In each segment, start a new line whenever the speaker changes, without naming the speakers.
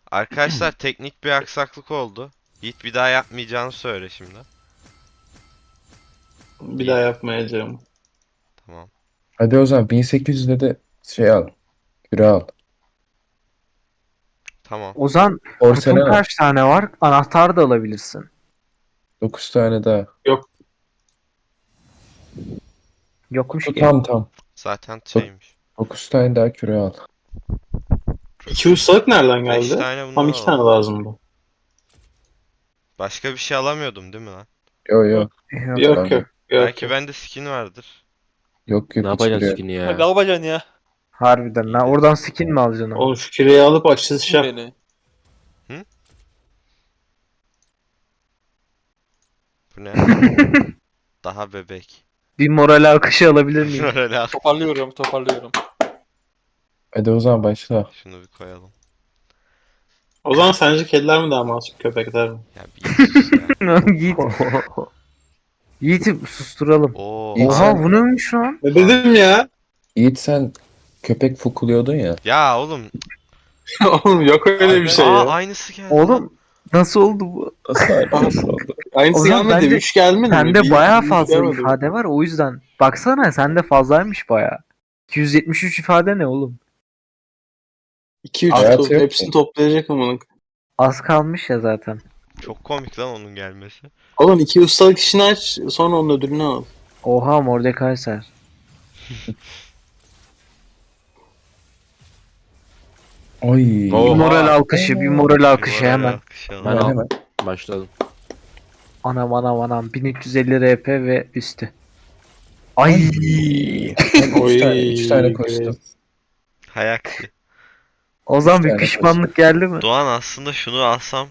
Arkadaşlar teknik bir aksaklık oldu. Yiğit bir daha yapmayacağını söyle şimdi.
Bir daha yapmayacağım.
Tamam.
Hadi o zaman 1800'de de şey al. Küre al.
Tamam.
Ozan
Orsene
kutun
al.
kaç tane var? Anahtar da alabilirsin.
9 tane daha.
Yokmuş
Kutu
ki.
tam.
Zaten şeymiş.
9 tane daha küre al.
2 ustalık nereden
5
geldi?
tane bundan
Tam 2 tane
alalım.
lazımdı.
Başka bir şey alamıyordum değil mi lan?
Yo.
Yok.
Yok
Tamam.
yok.
Belki bende skin vardır.
Yok
Ne
hiç
yapacaksın
küre.
skin'i
Ne
ya?
yapacaksın ya?
Harbiden lan. Oradan skin mi alacaksın ama?
Oğlum şu küreyi alıp açılış yap.
Beni.
Bu ne? Daha bebek.
Bir moral akışı alabilir miyim?
Öyle al.
Toparlıyorum.
Hadi o zaman başla.
Şunu bir koyalım.
O zaman sence kediler mi daha masum köpekler mi?
Ya bir sus ya.
Yiğit. Yiğit'i susturalım.
Oo.
İyi.
Oha
sen-
bu neymiş lan?
Ne dedim ya?
Yiğit sen köpek fokuluyordun ya.
Ya oğlum.
Oğlum yok öyle bir şey
Aa,
ya.
aynısı geldi.
Oğlum nasıl oldu bu?
Nasıl oldu?
Aynısı
O zaman
gelmedi.
bence
3 gelmedi mi?
Sende
Bir-
bayağı
üç
fazla
gelmedi mi?
ifade var o yüzden. Baksana sende fazlaymış bayağı. 273 ifade ne oğlum?
2-3
Hayatı yok
hepsini
ki.
toplayacak ama.
Az kalmış ya zaten.
Çok komik lan onun gelmesi.
Oğlum 2 ustalık işini aç sonra onun ödülünü al.
Oha Mordekaiser.
Ay.
Bir
Oha.
moral alkışı, bir moral alkışı
Moral
hemen.
alkışı
Ben
alalım.
al.
Hemen.
Başladım.
Anam 1350 RP ve üstü. Ay.
Hem
Oy.
3 tane koştum.
Hayaksi.
O zaman bir
tane
pişmanlık geldi mi?
Doğan aslında şunu alsam.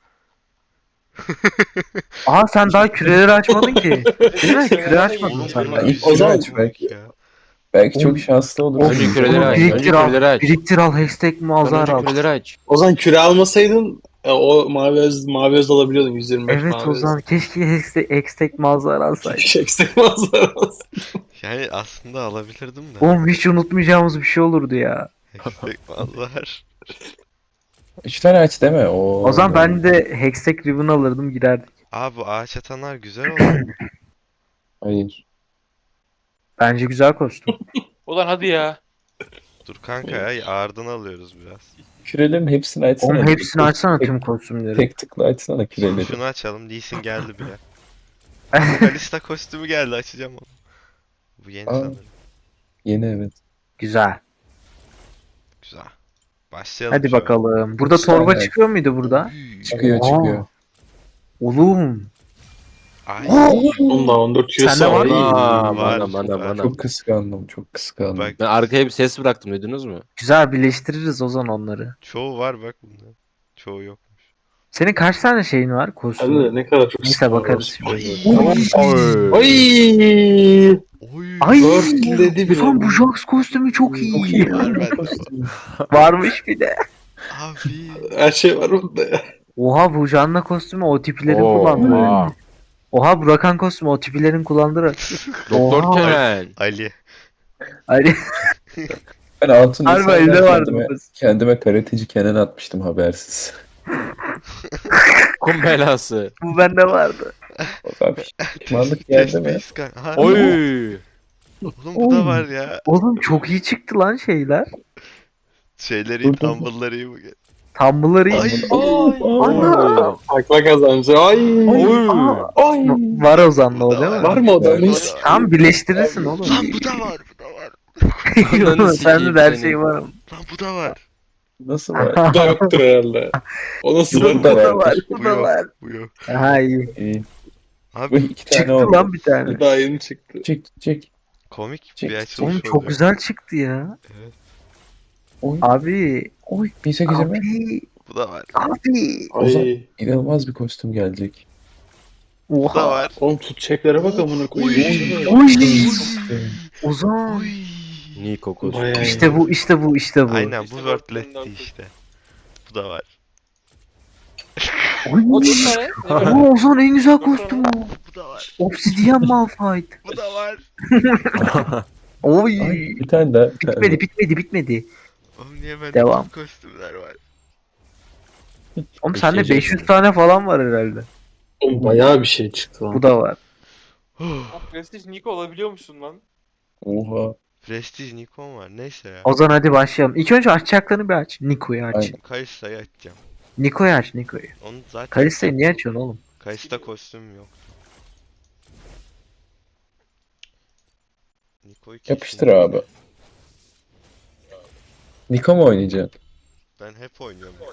Aa sen daha küreleri açmadın ki. Değil mi? Küre açmadın
Oğlum
sen
bunun
daha.
ilk
yüzü
o zaman-
çok komik ya.
Belki çok şanslı olursun.
Önce küreleri aç.
Biriktir
Önce
al.
küreleri aç.
Biriktir al. Hashtag muazzar
Önce
al.
küreleri aç.
O zaman küre almasaydın o mavi öz alabiliyordun 125
Evet
mavi
o
öz.
zaman keşke hashtag muazzar alsaydı.
Eksik manzara olsun.
Yani aslında alabilirdim de.
Oğlum hiç unutmayacağımız bir şey olurdu ya.
Eksik mallar.
3 tane aç deme. Oo.
O zaman ben de Hextech Ribbon alırdım girerdik.
Aa bu ağaç atanlar güzel oldu.
Hayır.
Bence güzel kostüm.
Ulan hadi ya.
Dur kanka ya ağırdan alıyoruz biraz.
Kürelerin hepsini açsana.
Oğlum hepsini açsana
Tek-
tüm kostümleri.
Tek tıkla açsana küreleri.
Şunu açalım. Lee Sin geldi bile. Kalista kostümü geldi açacağım onu. Bu yeni
Aa.
sanırım.
Yeni evet.
Güzel.
Güzel. Başlayalım.
Hadi
şöyle.
bakalım. Burada
Üç
torba
tane.
çıkıyor muydu burada?
Çıkıyor
Aa.
çıkıyor.
Oğlum.
Ay.
Onda 14
Sende
küre
var
var.
mı?
Aa,
Var,
bana.
Çok kıskandım. Çok kıskandım.
Bak
Ben arkaya bir ses bıraktım, duydunuz mu?
Güzel birleştiririz o zaman onları.
çoğu var bak bunda. Çoğu yok.
Senin kaç tane şeyin var
Hadi
kostüm?
de ne kadar çok
Neyse
sıkıntı
bakarız
var.
şimdi.
Ay.
Oy.
Ay.
Dörtledi bile.
Ulan bu Jax kostümü çok iyi.
Var bende.
Varmış bir de.
Abi.
Her şey var bunda ya.
Oha bu Janna kostümü o tipilerin
Oo,
kullandığı.
oha.
Oha bu Rakan kostümü o tipilerin kullandığı.
Doktor
Oha.
Kenan.
Ali.
Hani
Ben altın
harbi
lisandan
elde vardı
kendime,
bu.
kendime karateci Kenan atmıştım habersiz.
Kum belası.
Bu bende vardı.
O zaman pişmanlık geldi mi?
Space Gun. Ha,
Oy.
Oğlum bu da var ya.
Oğlum çok iyi çıktı lan şeyler.
Şeyleri
Dur, dur, dur.
tumble'ları iyi bu.
Tumble'ları iyi.
Ay.
Ana.
Akla kazancı. Ay.
Oy.
Aa,
Ay.
var Ozan'la o değil mi?
Var mı o da?
Evet.
Neyse.
Tam birleştirirsin oğlum.
Lan bu da var. Bu da var.
Ananı
Sende
sikeyim
de her
seni.
şey var.
Lan bu da var.
Nasıl var?
Bu da yoktur herhalde. O nasıl
Bu
Bu
da
da
var.
var.
Bu
Bu da
yok.
var.
Bu yok.
Ha iyi.
İyi. Bu
Abi
2 tane
Çıktı
oldu.
lan bir tane.
Daha yeni çıktı.
Çek.
komik
Çek,
bir
çek.
açılış
Oğlum çok
olacak.
güzel çıktı ya.
Oy.
Abi.
Oy. 1800'e mi?
Abi.
Bu da var.
Abi.
Ozan.
Ay.
İnanılmaz bir kostüm gelecek.
Bu da
Oha.
var.
Oğlum tutacaklara bak amına koyayım.
Oy.
Kostüm.
Ozan.
Oy.
Niko kostüm.
Bayağı iyi.
İşte bu işte bu işte bu.
Aynen bu
İşte
wordletti
wordletti.
işte. Bu da var.
Oy.
O 4 tane. Ne var?
Ama Ozan en güzel kostüm o.
Bu da var.
Obsidian Malphite.
Bu da var.
Oy.
Ay, bir tane daha.
Bitmedi.
Oğlum niye bende
Devam.
bütün kostümler var?
Oğlum sende
Beşinci
500 tane falan var herhalde.
Oğlum bayağı bir şey çıktı lan.
Bu da var.
O Prestige Nico olabiliyor musun lan?
Oha.
Prestige Nikon var. Neyse ya.
Ozan hadi başlayalım. İlk önce açacaklarını bir aç. Niko'yu aç.
Aynen.
Kalista'yı açacağım.
Niko'yu aç Niko'yu.
Onu zaten
Kalista'yı niye açıyorsun oğlum?
Kalista kostüm yok. Niko'yu kesin.
Yapıştır abi. Niko mu oynayacaksın?
Ben hep oynuyorum Niko.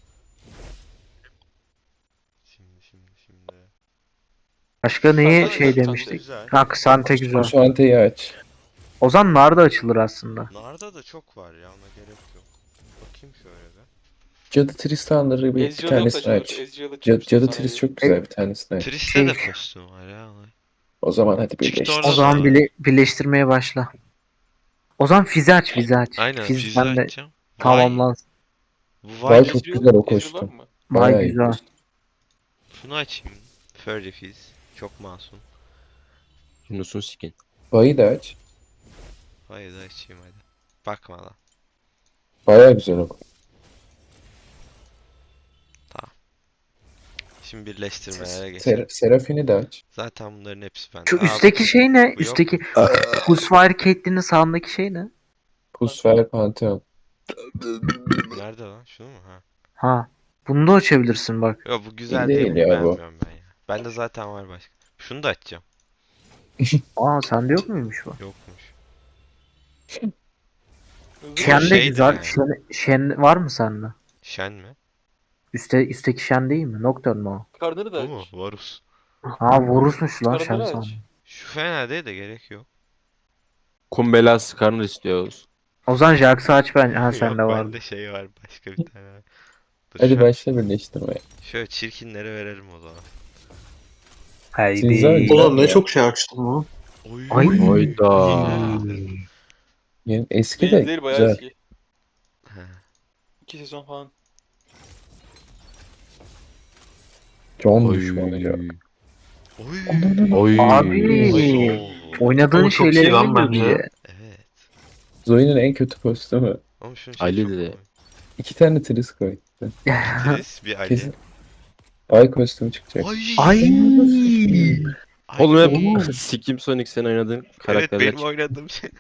Şimdi.
Başka neye
Kısante
şey
güzel,
demiştik?
Güzel.
Ha Kısante güzel.
Şu anteyi aç.
Ozan nar da açılır aslında.
Narda da çok var ya, ona gerek yok. Bakayım şöyle bir.
Cadı Tristan'ları bir
Ezreal
tanesini
açılır.
aç.
Ezreal
Cadı
açılır.
Tris çok güzel bir tanesini aç.
Triste de
Şey-
kostüm var ya.
O zaman hadi
Çıktı
birleştir.
orada
O zaman
da.
birleştirmeye başla. O zaman Fizi aç, Fizi aç.
Aynen
Fiz
Fizz'i
ben de
açacağım.
tamamlansın.
Bu
Vay
Vay.
çok güzel o kostüm.
Mı?
Vay
Bayağı iyi
güzel.
kostüm.
Şunu açayım. Furry Fizz. Çok masum.
Yunus'un skin.
Vay'ı da aç.
Hayır da açayım hadi. Bakma lan.
Bayağı güzel o.
Şimdi birleştirmelere geçelim.
Seraphine de aç.
Zaten bunların hepsi bende.
Şu
Aa,
üstteki şey ne?
bu yok.
Üstteki Husfire Caitlyn'in sağındaki şey ne?
Pusfer Pantheon.
Nerede lan? Şunu mu? Ha.
Ha. Bunu da açabilirsin bak.
Yo bu güzel
Değil
değil, bunu
ya bu.
beğenmiyorum ben ya. Bende zaten var başka. Şunu da açacağım.
Aa sende yok muymuş bu?
Yokmuş.
Shen de
şeydi
güzel.
yani.
Shen var mı sende?
Shen mi?
Üstteki Shen değil mi? Nocturne mu
Karnını da
Bu mu?
aç.
Varus.
o? Ha Varus'muş lan Shen
Karnını aç.
sandım.
Şu fena değil de gerek yok.
Kumbela Skarner istiyoruz.
O zaman Jax'ı aç ben. Ha
Yok
sende var.
bende şey var başka bir tane. var. Dur,
Hadi
şöyle,
başla birleştirmeye.
şöyle çirkinlere verelim o zaman.
Siz var
Haydi.
mı?
Ulan ne çok şey açtım lan.
Oy.
Ay.
Hayda.
Yani eski
Değil
de
değil bayağı
güzel.
eski.
He.
2 sezon falan.
Can
Oy.
düşmanı ya.
Oy.
Oy.
Abi.
Oo.
Oynadığın
Ama çok iyi
şeyleri
lan
mi
bence.
diye.
Evet.
Zoe'nin en kötü kostümü.
Ama şunu
Ali
çok
de.
komik.
2 tane Tris koy.
Tris bir Ali.
Kesin. Ay kostümü çıkacak.
Ay.
Oğlum hep Sikim Sonic sen oynadığın
Evet
karakterler
benim
çıktı.
oynadığım şey.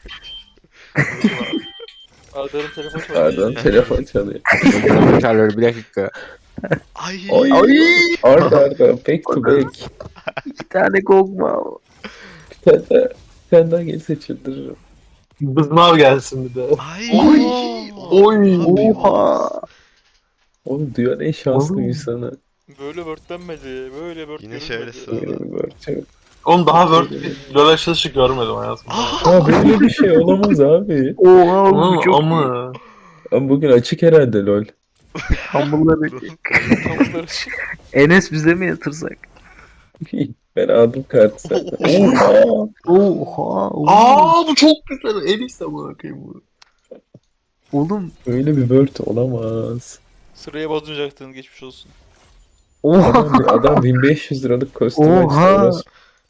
Arda'nın telefon çalıyor.
Pardon telefon çalıyor.
Çağırıyor, bir dakika.
Ay.
Ay. Arda back to back.
İki tane Kog'Maw.
Bir tane daha gelirse çıldırırım.
Bızmav gelsin bir de.
Ay.
Oy.
Abi,
Oha.
Oğlum dünyanın en şanslı
Oğlum.
insanı.
Böyle wordlenmedi. Böyle word
Yine şöyle
görülmedi.
sığ-
Yemin ediyorum. Çok-
Oğlum daha Word bir LoL açılışı görmedim hayatımda.
Ya böyle bir şey olamaz abi.
Oha oğlum
Ama,
bu çok iyi.
ama
Ama bugün açık herhalde lol.
Hamurları.
Tam bunları
Enes bize mi yatırsak?
Ben aldım kartı zaten. Oha.
Oha.
Aa bu çok güzel. En iyisi amına koyayım bu.
Oğlum.
Öyle bir word olamaz.
Sıraya bozmayacaktın, geçmiş olsun.
Oha.
Adam 1500 liralık kostüm
Oha.
açtı. orası.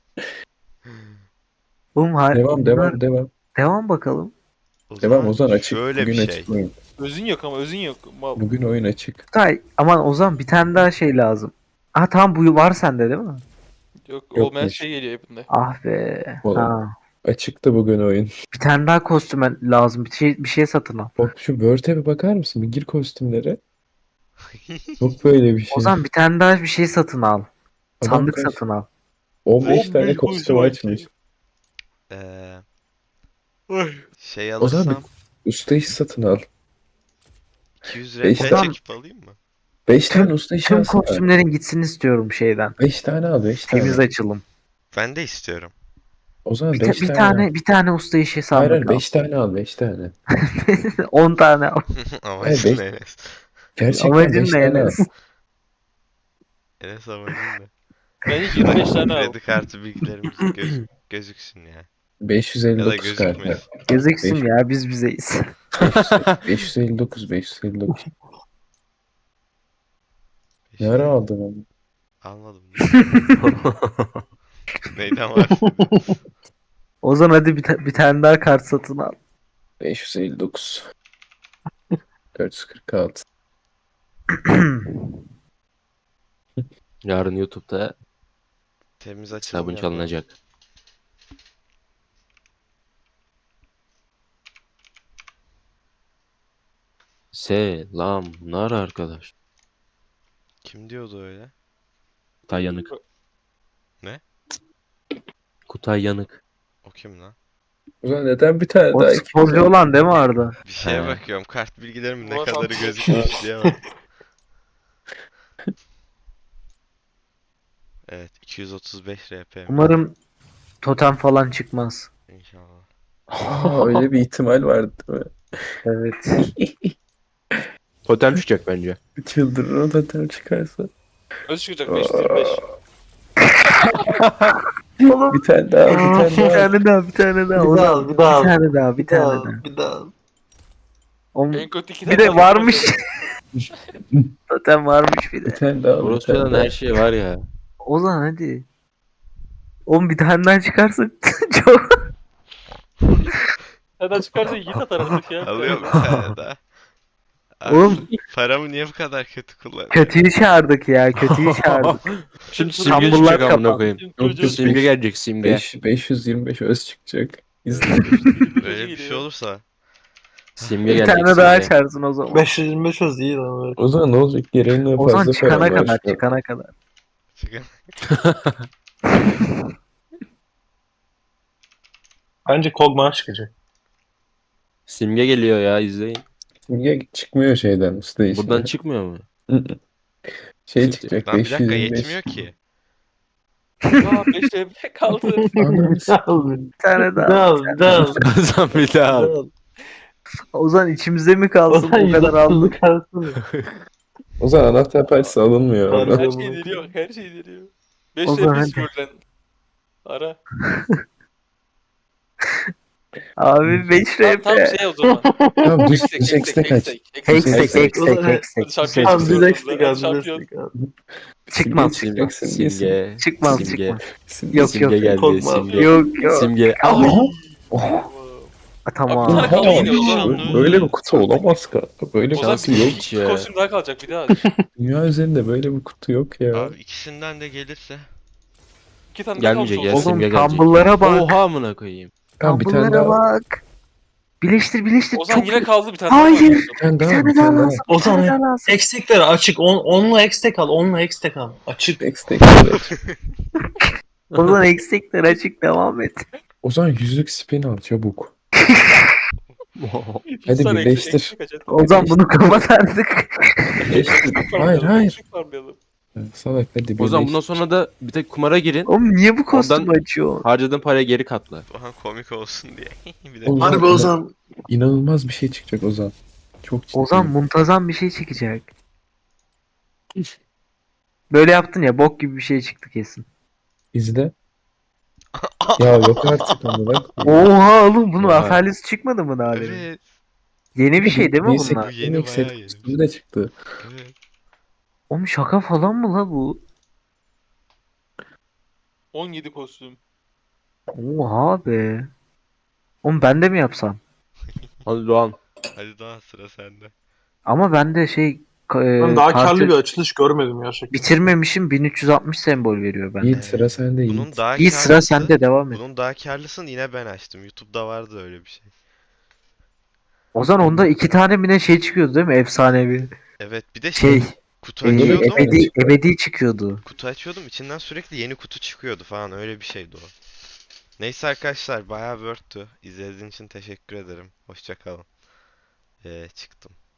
Oğlum
Devam.
Devam bakalım.
Devam Ozan açık.
Şöyle
Bugün
bir
açık
şey.
oyun.
Özün yok ama özün yok. Mal.
Bugün oyun açık.
Tay aman o zaman bir tane daha şey lazım. Ha tamam bu var sende değil mi?
Yok,
Yok,
olmayan
yok.
şey geliyor hepinde.
Ah be.
Oğlum.
Ha.
Açıktı bugün oyun.
Bir tane daha kostüm lazım. Bir şey satın al.
Bak şu Word'e bir bakar mısın? Bir gir kostümlere. Yok böyle bir şey.
O zaman bir tane daha bir şey satın al.
Adam
Sandık
kaç?
satın al.
15 tane
15
kostüm
kostüm
açmış.
Şey
O zaman
alırsam
Usta iş satın al.
200
Beş
RP
tane-
çekip alayım mı?
5 tane usta işi
Tüm
alsın.
kostümlerin gitsin istiyorum şeyden.
5 tane al 5 tane.
Temiz açılım.
Ben de istiyorum.
O zaman
Bir,
5
bir
tane.
tane bir tane usta işi
Hayır
sandık
hayır
al.
5 tane al 5 tane.
10 tane al.
Amacın
beş-
ne Enes?
Gerçekten
Amacın
5
ne
tane al.
Enes?
Enes amacın ne?
Bence 25 tane al.
Kredi kartı bilgilerimiz gözüksün ya. Ya da
559
gözükmesin.
kart.
Gözüksün
Beş-
ya biz bizeyiz.
559. Ne ara aldın onu?
Anladım. Neyden var?
O zaman hadi bir tane daha kart satın al.
559. 446.
Yarın YouTube'da
Temiz açalım.
hesabın çalınacak. Selamlar arkadaş.
Kim diyordu öyle?
Kutay Yanık.
Ne?
Kutay Yanık.
O kim lan?
Ulan neden bir tane
O
daha
sporcu olan değil mi Arda?
Bir şeye
He.
bakıyorum. Kart bilgilerimin ne
Ulan
kadarı
tam-
gözükmüş diye bak. Evet 235 RP.
Umarım totem falan çıkmaz.
İnşallah.
Aa, öyle bir ihtimal vardı değil mi?
Evet.
Totem çıkacak bence.
Çıldırır o totem çıkarsa.
Öz çıkacak 525.
Oğlum.
Bir tane daha, bir tane
Bir
daha.
tane daha, bir tane daha.
Bir daha al, bir daha al.
Bir tane daha, bir tane daha.
Bir daha.
Oğlum,
En kötü 2
bir de varmış. Totem varmış bir
Bir
de.
tane daha, bir
Orospu'dan
tane daha.
her şey var ya.
Ozan hadi. Oğlum bir tane daha çıkarsa çok.
Nereden çıkarsa Yiğit atar artık ya.
Alıyorum bir tane daha. Abi,
Oğlum
paramı niye bu kadar kötü kullanıyorsun?
kötüyü çağırdık ya, kötüyü çağırdık.
Şimdi
Tüm
simge
Samburlar
çıkacak amına
kapandı.
koyayım.
Yok, yok.
Simge gelecek simge.
525 öz çıkacak. İzle.
Öyle bir şey olursa.
Simge
Bir
gelecek
tane daha
simge.
açarsın o zaman.
525 öz değil lan.
O zaman ne olacak? Gereğinden
Ozan
fazla
çıkana
param var
kadar,
şu an.
çıkana kadar.
Çıkın.
Bence Kog'Maw çıkacak.
Simge geliyor ya izleyin.
Simge çıkmıyor şeyden usta işine.
Buradan çıkmıyor mu?
Şey çıkacak
Lan bir dakika
525.
yetmiyor ki.
Aa 5 RP kaldı.
Ananı s-
Bir tane daha.
Daha.
Kazan bir daha.
Ozan içimizde mi kalsın bu kadar aldık?
O zaman anahtar parçası alınmıyor
Harbi.
orada.
Her şey deniyor. Her şey deniyor. 5
O zaman
RP
hadi.
Sivöl'den. Ara.
Abi 5
Tam
RP.
şey o zaman.
Tamam düz
Ekstek,
düz ekstek aç.
Hextech,
Hextech.
Hadi
Hextech.
şampiyon
Abi biz
çıksın.
eksik
Hadi
abi, biz
şampiyon.
eksik abi.
Çıkmaz.
Simge çıkacak, simge,
Simge.
Çıkmaz,
Simge.
çıkmaz.
simge.
Yok,
Simge
yok.
geldi.
Korkma.
Simge.
Yok yok.
Simge.
Aha.
Tamam.
Abi,
Oha,
kaldı yine
oha.
Ozan.
Böyle bir kutu olamaz kanka. Böyle bir
Ozan
kutu
bir
yok.
hiç ya.
iki kostüm daha kalacak bir daha.
Dünya üzerinde böyle bir kutu yok ya.
Abi ikisinden de gelirse.
2 tane daha kalmış
Gelmeyecek ya
Ozan.
simge
Oğlum
gelecek.
tumble'lara bak.
Oha amına koyayım.
Tamam bir tane
Tumble'lara
daha.
bak. Birleştir, birleştir.
Ozan
Çok
yine kaldı bir tane daha.
Hayır.
kaldı.
Bir tane
Bir
daha.
tane
Bir
daha
tane daha.
lazım. Bir tane daha lazım.
Ekstekler açık. Onunla ekstek al. Onunla ekstek al. Açık.
Ekstek evet.
Ozan eksikler açık, devam et.
O zaman yüzlük spin al çabuk.
Bir
Hadi
tane
birleştir.
eksik kaç, hadi.
Ozan bunu kapat artık.
Birleştir. Hayır
Farmlayalım,
hayır.
eksik farmlayalım.
Salak hadi
O zaman bundan
birleştir.
sonra da bir tek kumara girin.
Oğlum niye bu kostümü
Ondan-
açıyor?
Harcadığın paraya geri katla.
Aha komik olsun diye. Bir de
Oğlum,
Harbi Ozan.
İnanılmaz bir şey çıkacak Ozan. Çok ciddi.
Ozan muntazam bir şey çıkacak. Böyle yaptın ya, bok gibi bir şey çıktı kesin.
İzle. Ya yok artık amına koyayım.
Oha oğlum, bunun
Oha.
Aphelios çıkmadı mı daha demin?
evet.
Yeni bir şey değil mi
Neyse,
bunlar?
Bu yeni
ilk set
bayağı yeni.
kostümü de çıktı.
Evet.
Oğlum şaka falan mı la bu?
17 kostüm.
Oha be. Oğlum ben de mi yapsam?
Hadi Doğan.
Hadi daha sıra sende.
Ama ben de
Ben daha
kartı
karlı bir açılış görmedim gerçekten.
bitirmemişim, 1360 sembol veriyor bende.
Yiğit sıra sende
Bunun
Yiğit.
daha
İyi, sıra
karlısı-
sende, devam et.
Bunun daha karlısını yine ben açtım. YouTube'da vardı öyle bir şey.
Ozan onda 2 tane mi ne şey çıkıyordu değil mi? Efsanevi.
Evet bir de
Şey,
kutu
Ebedi-
açıyordum.
ebedi çıkıyordu.
Kutu açıyordum içinden sürekli yeni kutu çıkıyordu falan öyle bir şeydi o. Neyse arkadaşlar bayağı worth'tü. İzlediğiniz için teşekkür ederim. Hoşça kalın. Çıktım.